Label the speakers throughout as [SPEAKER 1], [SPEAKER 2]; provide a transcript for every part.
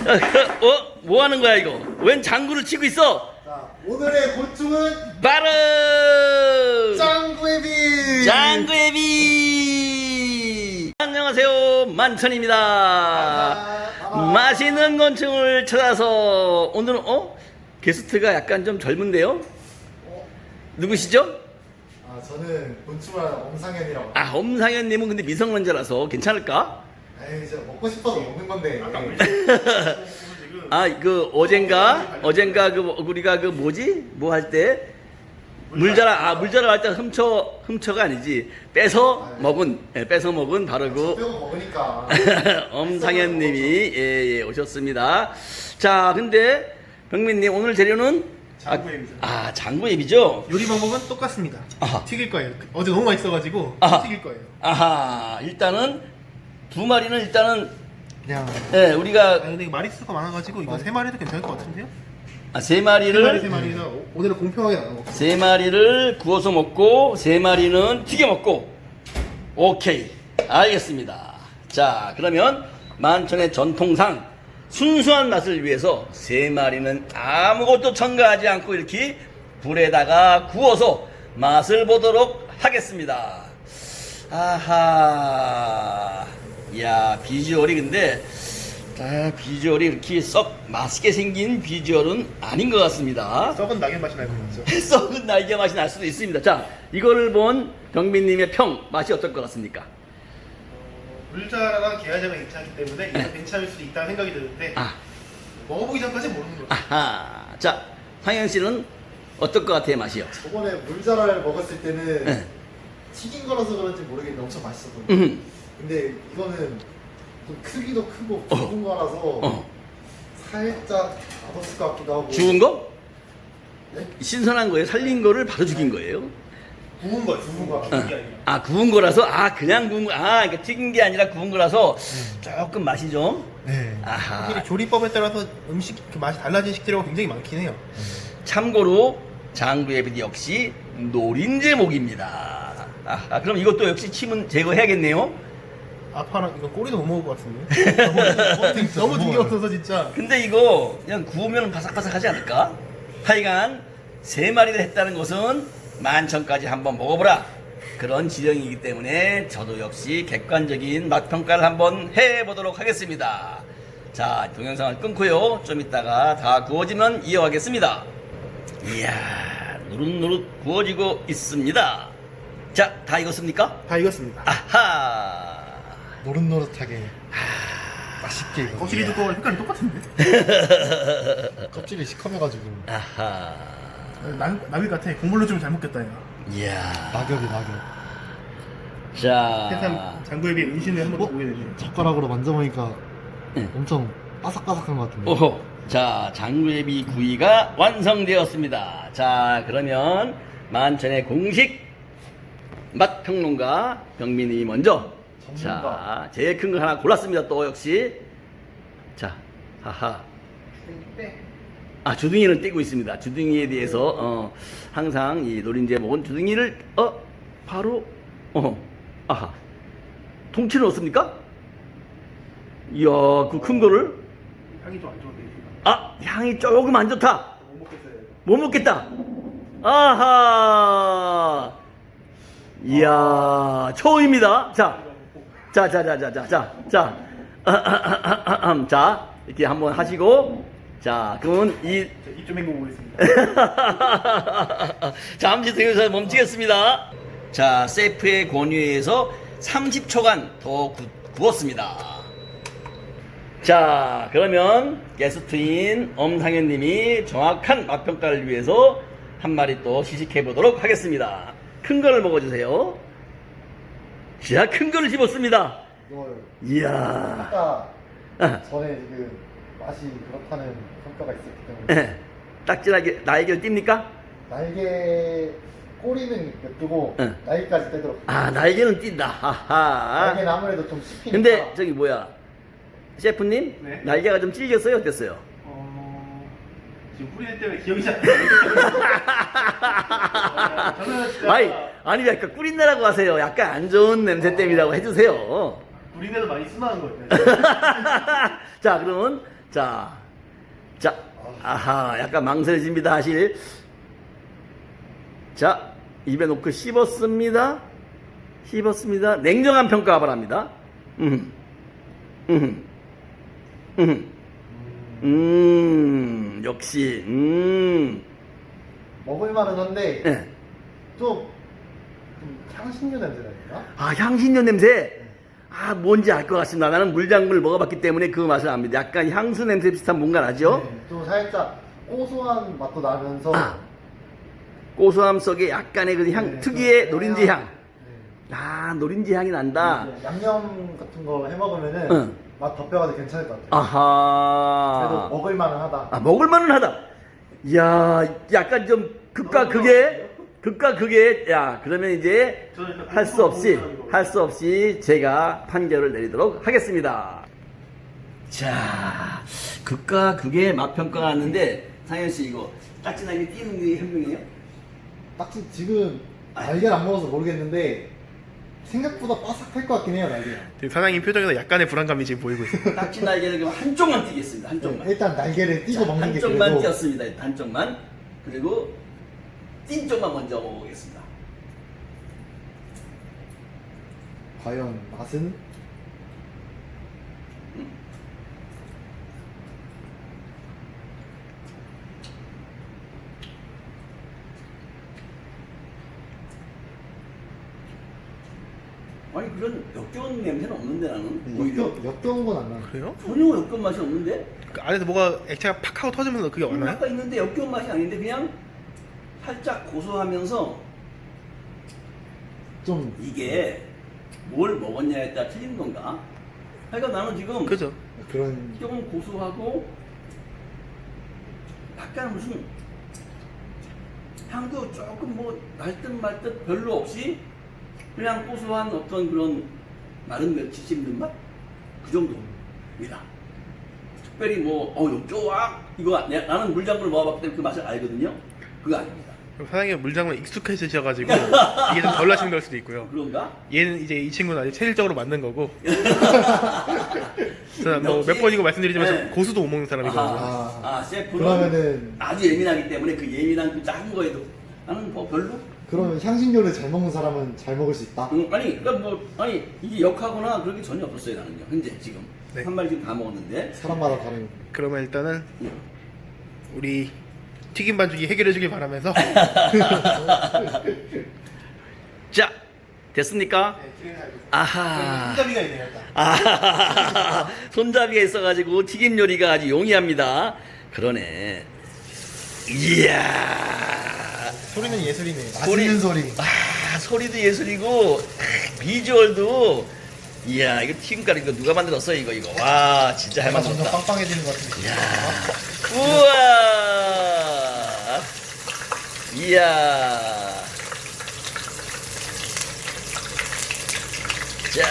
[SPEAKER 1] 뭐 하는 거야 이거? 웬 장구를 치고 있어?
[SPEAKER 2] 자, 오늘의 곤충은
[SPEAKER 1] 바로
[SPEAKER 2] 짱구애비!
[SPEAKER 1] 장구애비. 안녕하세요, 만천입니다. 맛있는 곤충을 찾아서 오늘은 게스트가 약간 좀 젊은데요? 누구시죠?
[SPEAKER 2] 아, 저는 곤충한 엄상현이라고.
[SPEAKER 1] 아, 엄상현님은 근데 미성년자라서 괜찮을까?
[SPEAKER 2] 에이, 진짜 먹고 싶어서 먹는 건데.
[SPEAKER 1] 아, 그 어젠가 우리가 그 뭐지? 뭐 할 때 물자라 할 때 훔쳐가 아니지. 뺏어 먹은 바로 그
[SPEAKER 2] 빼고 먹으니까.
[SPEAKER 1] 엄상현님이 예, 오셨습니다. 자, 근데 병민님 오늘 재료는
[SPEAKER 3] 장구앱이죠.
[SPEAKER 1] 장구앱이죠.
[SPEAKER 3] 요리 방법은 똑같습니다.
[SPEAKER 1] 아하.
[SPEAKER 3] 튀길 거예요. 어제 너무 맛있어가지고
[SPEAKER 1] 아하.
[SPEAKER 3] 튀길 거예요.
[SPEAKER 1] 아하, 일단은 두 마리는 일단은
[SPEAKER 2] 그냥.
[SPEAKER 1] 예, 우리가
[SPEAKER 3] 아 근데 이거 마리수가 많아가지고 이거 세 마리도 괜찮을 것 같은데요?
[SPEAKER 1] 세
[SPEAKER 3] 세
[SPEAKER 1] 마리를
[SPEAKER 3] 마리나 오늘은 공평하게 나눠.
[SPEAKER 1] 세 마리를 구워서 먹고 세 마리는 튀겨 먹고. 오케이, 알겠습니다. 자, 그러면 만천의 전통상 순수한 맛을 위해서 세 마리는 아무것도 첨가하지 않고 이렇게 불에다가 구워서 맛을 보도록 하겠습니다. 아하, 야, 비주얼이 근데 비주얼이 이렇게 썩 맛있게 생긴 비주얼은 아닌 것 같습니다.
[SPEAKER 3] 썩은 낙엽 맛이 날 것 같죠?
[SPEAKER 1] 썩은 날개 맛이 날 수도 있습니다. 자, 이거를 본 병민님의 평 맛이 어떨 것 같습니까?
[SPEAKER 3] 물자랑 게하자가 괜찮기 때문에 이거 괜찮을 수 있다는 생각이 드는데 먹어보기 전까지 모르는 거죠.
[SPEAKER 1] 아하. 자, 상현 씨는 어떨 것 같아요, 맛이요?
[SPEAKER 2] 저번에 물자라를 먹었을 때는
[SPEAKER 1] 네.
[SPEAKER 2] 튀긴 거라서 그런지 모르겠는데 엄청 맛있었거든요. 근데 이거는 좀 크기도 크고 굵은 거라서 살짝 맛없을 것 같기도 하고.
[SPEAKER 1] 죽은 거?
[SPEAKER 2] 네?
[SPEAKER 1] 신선한 거예요? 살린 거를 바로 죽인 거예요?
[SPEAKER 3] 구운 거, 구운 거. 튀긴 게 아니라.
[SPEAKER 1] 구운 거라서? 그냥 구운 거. 그러니까 튀긴 게 아니라 구운 거라서 조금 맛이 좀.
[SPEAKER 2] 네.
[SPEAKER 1] 아하.
[SPEAKER 3] 확실히 조리법에 따라서 음식 그 맛이 달라진 식재료가 굉장히 많긴 해요.
[SPEAKER 1] 참고로 장구애비 역시 노린제목입니다. 그럼 이것도 역시 침은 제거해야겠네요.
[SPEAKER 3] 아파랑 이거 꼬리도 못 먹을 것 같은데. 너무 튀겨 없어서 진짜.
[SPEAKER 1] 근데 이거 그냥 구우면 바삭바삭하지 않을까? 하여간 세 마리를 했다는 것은 만천까지 한번 먹어보라 그런 지령이기 때문에 저도 역시 객관적인 맛평가를 한번 해보도록 하겠습니다. 자, 동영상을 끊고요, 좀 이따가 다 구워지면 이어가겠습니다. 이야, 노릇노릇 구워지고 있습니다. 자, 다 익었습니까?
[SPEAKER 3] 다 익었습니다.
[SPEAKER 1] 아하.
[SPEAKER 2] 노릇노릇하게 맛있게 익어.
[SPEAKER 3] 껍질이 두꺼워 색깔이 똑같은데?
[SPEAKER 2] 껍질이 시커매가지고.
[SPEAKER 1] 아하.
[SPEAKER 3] 나비 같아. 국물로 좀 잘 먹겠다 야.
[SPEAKER 1] 이야.
[SPEAKER 2] 낙엽.
[SPEAKER 1] 자.
[SPEAKER 3] 세상 장구에 비해 은신을 한번 보게 되네.
[SPEAKER 2] 젓가락으로 만져보니까
[SPEAKER 1] 응.
[SPEAKER 2] 엄청 바삭바삭한 것 같은데.
[SPEAKER 1] 오호. 자, 장구애비 구이가 완성되었습니다. 자, 그러면 만천의 공식 맛평론가 병민이 먼저. 자, 제일 큰 거 하나 골랐습니다. 또 역시. 자, 하하. 주둥이는 떼고 있습니다. 주둥이에 대해서 항상 이 노린재 먹은 주둥이를 바로 아하. 통째로 넣습니까? 이야, 그 큰 거를.
[SPEAKER 3] 향이 좀 안 좋은데.
[SPEAKER 1] 향이 조금 안 좋다.
[SPEAKER 3] 못 먹겠어요.
[SPEAKER 1] 못 먹겠다. 아하. 이야, 처음입니다. 자, 이렇게 한번 하시고, 자, 그러면
[SPEAKER 3] 입좀 헹궈 보겠습니다.
[SPEAKER 1] 잠시 동영상 멈추겠습니다. 자, 셰프의 권유에 의해서 30초간 더 구웠습니다. 자, 그러면 게스트인 엄상현님이 정확한 맛평가를 위해서 한 마리 또 시식해 보도록 하겠습니다. 큰 거를 먹어주세요. 자, 큰 거를 집었습니다.
[SPEAKER 2] 이걸
[SPEAKER 1] 이야.
[SPEAKER 2] 아까 전에 지금 맛이 그렇다는 평가가 있었기 때문에
[SPEAKER 1] 딱지나게 날개를 띱니까?
[SPEAKER 2] 날개 꼬리는 냅두고
[SPEAKER 1] 응.
[SPEAKER 2] 날개까지 떼도록.
[SPEAKER 1] 날개는 띈다. 하하.
[SPEAKER 2] 날개는 아무래도 좀 씹히니까.
[SPEAKER 1] 근데 저기 뭐야, 셰프님?
[SPEAKER 3] 네?
[SPEAKER 1] 날개가 좀 찔겼어요? 어땠어요?
[SPEAKER 3] 지금 뿌리는 때문에 기억이 잘 안 나요. 저는 진짜
[SPEAKER 1] 아니 약간 꿀인내라고 하세요. 약간 안 좋은 냄새 때문이라고 해주세요.
[SPEAKER 3] 뿌리내도 많이 순한 거예요.
[SPEAKER 1] 자, 그러면 자, 아하, 약간 망설여집니다, 사실. 자, 입에 놓고 씹었습니다. 냉정한 평가 바랍니다. 역시,
[SPEAKER 2] 먹을만은 한데
[SPEAKER 1] 예.
[SPEAKER 2] 좀 향신료 냄새가 있나?
[SPEAKER 1] 아, 향신료 냄새. 아, 뭔지 알 것 같습니다. 나는 물장군을 먹어봤기 때문에 그 맛을 압니다. 약간 향수 냄새 비슷한 뭔가 나죠?
[SPEAKER 2] 네, 좀 살짝 고소한 맛도 나면서
[SPEAKER 1] 아, 고소함 속에 약간의 그 향,
[SPEAKER 2] 네,
[SPEAKER 1] 특유의
[SPEAKER 2] 좀
[SPEAKER 1] 노린지 향.
[SPEAKER 2] 네.
[SPEAKER 1] 아, 노린지 향이 난다.
[SPEAKER 2] 네, 양념 같은 거 해 먹으면은
[SPEAKER 1] 응.
[SPEAKER 2] 맛 덮여가지고 괜찮을 것 같아요. 그래도
[SPEAKER 1] 아하.
[SPEAKER 2] 먹을만은 하다.
[SPEAKER 1] 아, 먹을만은 하다. 이야, 약간 좀 극과 극의, 야, 그러면 이제
[SPEAKER 3] 저는 일단
[SPEAKER 1] 할 수 없이,
[SPEAKER 3] 고소한
[SPEAKER 1] 할 수 없이 제가 판결을 내리도록 하겠습니다. 자, 극과 극의 맛 평가가 왔는데, 상현 씨 이거 딱지나게 띄는 게 현명해요?
[SPEAKER 2] 딱지 지금 날개를 안 먹어서 모르겠는데 생각보다 바삭할 것 같긴 해요, 날개가.
[SPEAKER 3] 지금 사장님 표정에서 약간의 불안감이 지금 보이고 있어요.
[SPEAKER 1] 딱지 날개를 그럼 한쪽만 띄겠습니다. 한쪽만.
[SPEAKER 2] 네, 일단 날개를 띄고
[SPEAKER 1] 자,
[SPEAKER 2] 먹는 게
[SPEAKER 1] 한쪽만
[SPEAKER 2] 그래도
[SPEAKER 1] 띄었습니다. 일단 한쪽만. 그리고 띈 쪽만 먼저 먹어보겠습니다.
[SPEAKER 2] 과연 맛은?
[SPEAKER 1] 아니 그런 역겨운 냄새는 없는데 나는 오히려
[SPEAKER 2] 역겨운 건 안 나요.
[SPEAKER 3] 그래요?
[SPEAKER 1] 전혀 역겨운 맛이 없는데
[SPEAKER 3] 그 안에서 뭐가 액체가 팍 하고 터지면서 그게 왔나요?
[SPEAKER 1] 아까 있는데 역겨운 맛이 아닌데 그냥 살짝 고소하면서
[SPEAKER 2] 좀
[SPEAKER 1] 이게 뭘 먹었냐에 따라 틀린 건가? 그러니까 나는 지금
[SPEAKER 3] 그죠?
[SPEAKER 2] 그런
[SPEAKER 1] 조금 고소하고 약간 무슨 향도 조금 뭐 날 듯 말 듯 별로 없이 그냥 고소한 어떤 그런 마른 멸치 씹는 맛? 그 정도입니다. 특별히 뭐, 좋아! 이거, 나는 물장군을 먹어봤기 때문에 그 맛을 알거든요? 그거 아닙니다.
[SPEAKER 3] 그럼 사장님 물장구에 익숙해지셔가지고 이게 좀 덜 나신 걸 수도 있고요.
[SPEAKER 1] 그런가?
[SPEAKER 3] 얘는 이제 이 친구는 아직 체질적으로 맞는 거고. 제가 뭐
[SPEAKER 1] 역시-
[SPEAKER 3] 몇 번이고 말씀드리지만
[SPEAKER 1] 네.
[SPEAKER 3] 저 고수도 못 먹는 사람이거든요.
[SPEAKER 1] 셰프는
[SPEAKER 2] 그러면은
[SPEAKER 1] 아주 예민하기 때문에 그 예민한 그 작은 거에도 나는 뭐 별로?
[SPEAKER 2] 그러면 향신료를 잘 먹는 사람은 잘 먹을 수 있다.
[SPEAKER 1] 아니, 그러니까 뭐, 아니, 이게 역하거나 그런 게 전혀 없었어요, 나는요. 현재, 지금.
[SPEAKER 3] 네.
[SPEAKER 1] 한 마리 지금 다 먹었는데.
[SPEAKER 2] 사람마다 다른.
[SPEAKER 3] 그러면 일단은 우리 튀김 반죽이 해결해 주길 바라면서
[SPEAKER 1] 자, 됐습니까? 아하.
[SPEAKER 3] 손잡이가 있네요 일단.
[SPEAKER 1] 아, 손잡이가 있어가지고 튀김 요리가 아주 용이합니다. 그러네. 이야.
[SPEAKER 3] 소리는 예술이네요.
[SPEAKER 2] 맛있는 소리.
[SPEAKER 1] 아, 소리도 예술이고, 비주얼도. 이야, 이거 튀김가루 이거 누가 만들었어, 이거. 와, 진짜 할
[SPEAKER 2] 점점
[SPEAKER 1] 만들었다.
[SPEAKER 2] 빵빵해지는 것 같은데.
[SPEAKER 1] 이야. 우와. 이야. 자,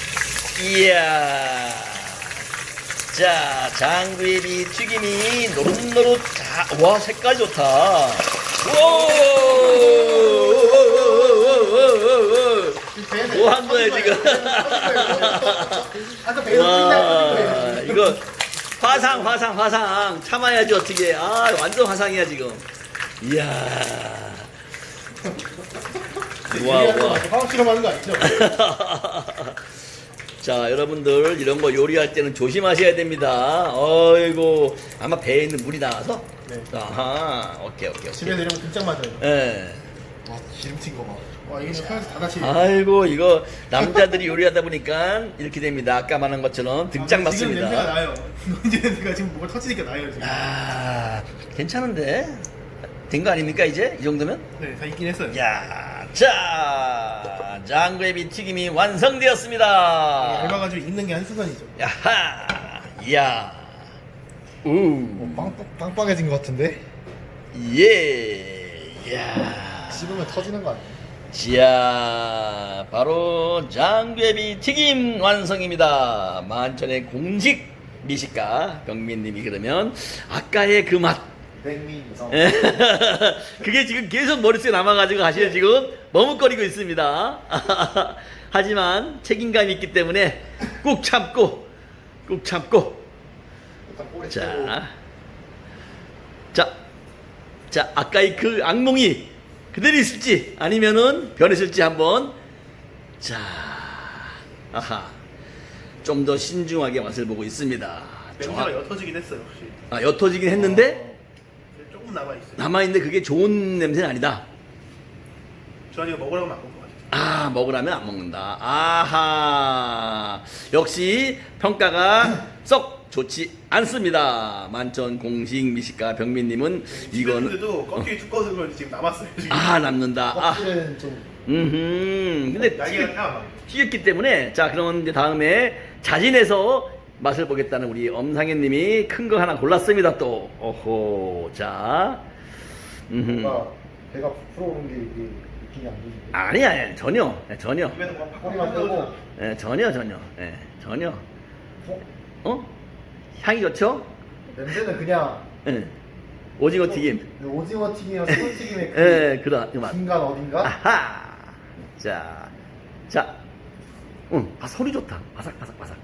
[SPEAKER 1] 이야. 자, 장구예비 튀김이 노릇노릇. 자, 와, 색깔 좋다. 뭐 한 거야, 지금? 와, 이거 화상 참아야지 어떻게. 아, 완전 화상이야 지금. 이야. 와.
[SPEAKER 3] 화학 실험하는 거 아니죠?
[SPEAKER 1] 자, 여러분들 이런 거 요리할 때는 조심하셔야 됩니다. 어이고, 아마 배에 있는 물이 나와서.
[SPEAKER 3] 네.
[SPEAKER 1] 아하, 오케이.
[SPEAKER 3] 집에 내려면 진짜 맞아요.
[SPEAKER 1] 예.
[SPEAKER 2] 와, 기름튄 거 봐.
[SPEAKER 3] 와 이게 사에서 다 같이.
[SPEAKER 1] 아이고, 이거 남자들이 요리하다 보니까 이렇게 됩니다. 아까 말한 것처럼 등짝
[SPEAKER 3] 지금 냄새가
[SPEAKER 1] 맞습니다.
[SPEAKER 3] 나요. 노인지 냄새가 지금 뭐가 터지니까 나요 지금.
[SPEAKER 1] 아, 괜찮은데? 된 거 아닙니까, 이제? 이 정도면?
[SPEAKER 3] 네, 다 있긴 했어요.
[SPEAKER 1] 야, 자, 장구예비 튀김이 완성되었습니다.
[SPEAKER 3] 얇아가지고 익는 게 한순간이죠.
[SPEAKER 1] 야하, 이야,
[SPEAKER 2] 빵빵해진 것 같은데?
[SPEAKER 1] 예, 이야.
[SPEAKER 2] 씹으면 터지는 거 아니야?
[SPEAKER 1] 자, 바로 장구예비 튀김 완성입니다. 만천의 공식 미식가 병민님이 그러면 아까의 그 맛.
[SPEAKER 2] 백미성.
[SPEAKER 1] 그게 지금 계속 머릿속에 남아가지고 사실 지금 머뭇거리고 있습니다. 하지만 책임감이 있기 때문에 꾹 참고
[SPEAKER 2] 일단 꼬리
[SPEAKER 1] 자, 자, 아까의 그 악몽이 그대로 있을지 아니면은 변했을지 한번. 자, 아하, 좀 더 신중하게 맛을 보고 있습니다.
[SPEAKER 3] 냄새가 옅어지긴 했어요, 확실히.
[SPEAKER 1] 아, 옅어지긴 했는데
[SPEAKER 3] 조금 남아있어요.
[SPEAKER 1] 남아있는데 그게 좋은 냄새는 아니다.
[SPEAKER 3] 저는 이거 먹으라고 안 먹을 것 같아요.
[SPEAKER 1] 아, 먹으라면 안 먹는다. 아하, 역시 평가가 썩 좋지 않습니다. 만천 공식 미식가 병민님은 이거는
[SPEAKER 3] 이거는데도 껍질이 두꺼워서 그런지 지금 남았어요. 지금.
[SPEAKER 1] 아, 남는다. 아,
[SPEAKER 2] 껍질은 좀
[SPEAKER 1] 근데
[SPEAKER 3] 날개가 다
[SPEAKER 1] 튀겼기 때문에 자, 그러면 이제 다음에 자진해서 맛을 보겠다는 우리 엄상현님이 큰 거 하나 골랐습니다. 또 오호, 자,
[SPEAKER 2] 뭔가 배가 부풀어 오는 게 이게 느낌이 안 좋은데.
[SPEAKER 1] 아니야, 전혀, 전혀,
[SPEAKER 3] 입에서 막
[SPEAKER 2] 허리만 빼고.
[SPEAKER 1] 전혀, 전혀.
[SPEAKER 2] 어?
[SPEAKER 1] 향이 좋죠?
[SPEAKER 2] 냄새는 그냥
[SPEAKER 1] 예. 오징어 튀김.
[SPEAKER 2] 오징어 튀김이랑 소금 튀김의
[SPEAKER 1] 예, 그런 그 맛.
[SPEAKER 2] 중간 어딘가?
[SPEAKER 1] 아하. 자, 소리 좋다. 바삭바삭.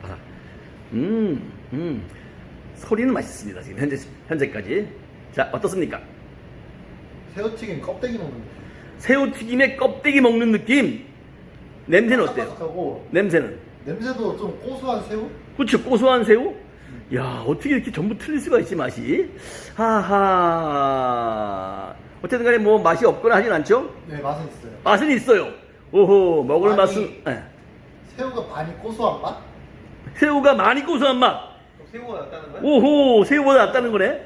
[SPEAKER 1] 소리는 맛있습니다. 지금 현재까지. 자, 어떻습니까?
[SPEAKER 2] 새우튀김 껍데기 먹는 거.
[SPEAKER 1] 새우튀김에 껍데기 먹는 느낌. 냄새는 어때요?
[SPEAKER 2] 바삭바삭하고
[SPEAKER 1] 냄새는?
[SPEAKER 2] 냄새도 좀 고소한 새우?
[SPEAKER 1] 그렇죠. 고소한 새우? 야, 어떻게 이렇게 전부 틀릴 수가 있지, 맛이? 하하. 어쨌든 간에 뭐 맛이 없거나 하진 않죠?
[SPEAKER 2] 네, 맛은 있어요.
[SPEAKER 1] 맛은 있어요. 오호, 먹을
[SPEAKER 2] 아니,
[SPEAKER 1] 맛은. 예.
[SPEAKER 2] 새우가 많이 고소한 맛?
[SPEAKER 1] 새우가 많이 고소한 맛.
[SPEAKER 3] 새우가 낫다는 거야?
[SPEAKER 1] 오호, 새우보다 낫다는 거네.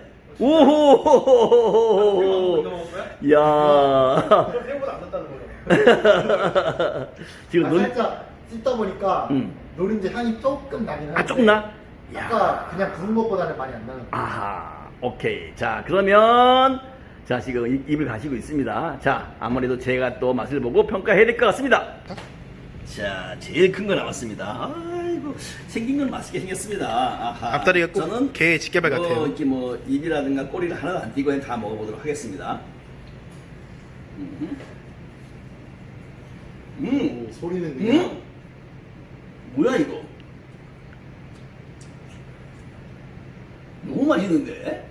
[SPEAKER 1] 오호.
[SPEAKER 3] 이거 먹을 거야?
[SPEAKER 1] 야.
[SPEAKER 3] 그럼 새우보다 안 낫다는 거죠.
[SPEAKER 1] 지금 눈.
[SPEAKER 2] 살짝 씹다 보니까 노른지 향이 조금 나긴 하는데
[SPEAKER 1] 조금 나?
[SPEAKER 2] 아까 그냥 부른 것보다는 많이 안 나는 거.
[SPEAKER 1] 아하, 오케이. 자, 그러면, 자, 지금 입을 가시고 있습니다. 자, 아무래도 제가 또 맛을 보고 평가해야 될 것 같습니다. 자, 제일 큰 거 나왔습니다. 아이고, 생긴 건 맛있게 생겼습니다. 아하.
[SPEAKER 3] 앞다리가 꼭
[SPEAKER 1] 저는
[SPEAKER 3] 개 집게발 같아요.
[SPEAKER 1] 이렇게 뭐, 입이라든가 꼬리를 하나도 안 띄고 그냥 다 먹어보도록 하겠습니다.
[SPEAKER 2] 오, 소리는 그냥
[SPEAKER 1] 뭐야, 이거? 너무 맛있는데?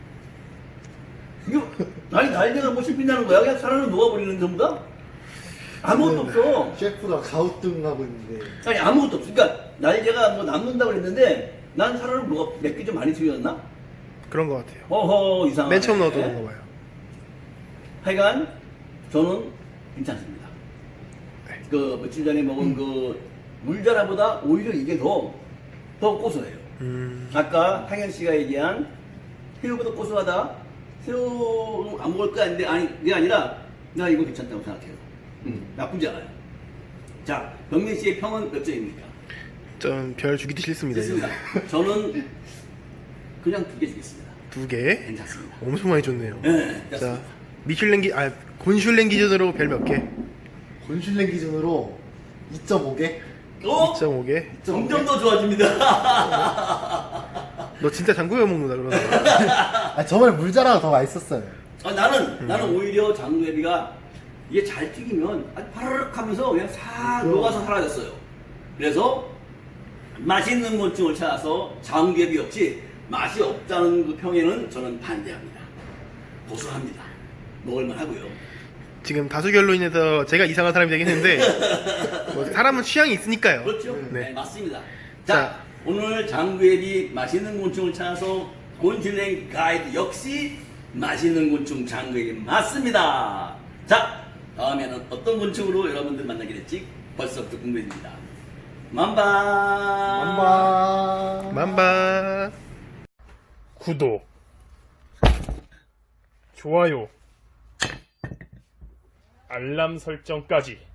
[SPEAKER 1] 이거, 아니, 날개가 뭐 씹힌다는 거야? 그냥 살아는 녹아버리는 전부 다? 아무것도 없어.
[SPEAKER 2] 셰프가 가우뚱하고 있는데
[SPEAKER 1] 아니, 아무것도 없어. 그러니까, 날개가 뭐 남는다고 그랬는데, 난 살아는 녹아, 몇 개 좀 많이 튀겼나?
[SPEAKER 3] 그런 것 같아요.
[SPEAKER 1] 허허, 이상하네.
[SPEAKER 3] 맨 처음 넣었던 건가 봐요.
[SPEAKER 1] 하여간, 저는 괜찮습니다. 그, 며칠 전에 먹은 그, 물자라보다 오히려 이게 더 고소해요. 아까 상현 씨가 얘기한 새우보다 고소하다. 새우 안 먹을 거야 했는데 아니 그게 아니라 나 이거 괜찮다고 생각해요. 나쁘지 않아요. 자, 병민 씨의 평은 몇 점입니까?
[SPEAKER 3] 좀 별 주기도 싫습니다.
[SPEAKER 1] 됐습니다. 저는 그냥 2개 주겠습니다.
[SPEAKER 3] 2개.
[SPEAKER 1] 괜찮습니다.
[SPEAKER 3] 엄청 많이 줬네요.
[SPEAKER 1] 네,
[SPEAKER 3] 자,
[SPEAKER 1] 됐습니다.
[SPEAKER 3] 곤슐랭 기준으로 별 몇 개?
[SPEAKER 2] 곤슐랭 기준으로 2.5개?
[SPEAKER 3] 2.5개.
[SPEAKER 1] 점점 더 좋아집니다.
[SPEAKER 3] 너 진짜 장구여 먹는다 그러는 거야.
[SPEAKER 2] 아, 정말 물자라가 더 맛있었어요.
[SPEAKER 1] 나는 오히려 장루애비가 이게 잘 튀기면 아주 파르륵 하면서 그냥 싹 녹아서 사라졌어요. 그래서 맛있는 곤충을 찾아서 장루애비 없이 맛이 없다는 그 평에는 저는 반대합니다. 고소합니다. 먹을만 하고요.
[SPEAKER 3] 지금 다수결로 인해서 제가 이상한 사람이 되긴 했는데 뭐 사람은 취향이 있으니까요.
[SPEAKER 1] 그렇죠?
[SPEAKER 3] 네.
[SPEAKER 1] 네, 맞습니다.
[SPEAKER 3] 자.
[SPEAKER 1] 자, 오늘 장구애비 맛있는 곤충을 찾아서 곤슐랭 가이드 역시 맛있는 곤충 장구애비 맞습니다. 자, 다음에는 어떤 곤충으로 여러분들 만나게 될지 벌써부터 궁금해집니다. 만바.
[SPEAKER 3] 만바.
[SPEAKER 4] 구독, 좋아요, 알람 설정까지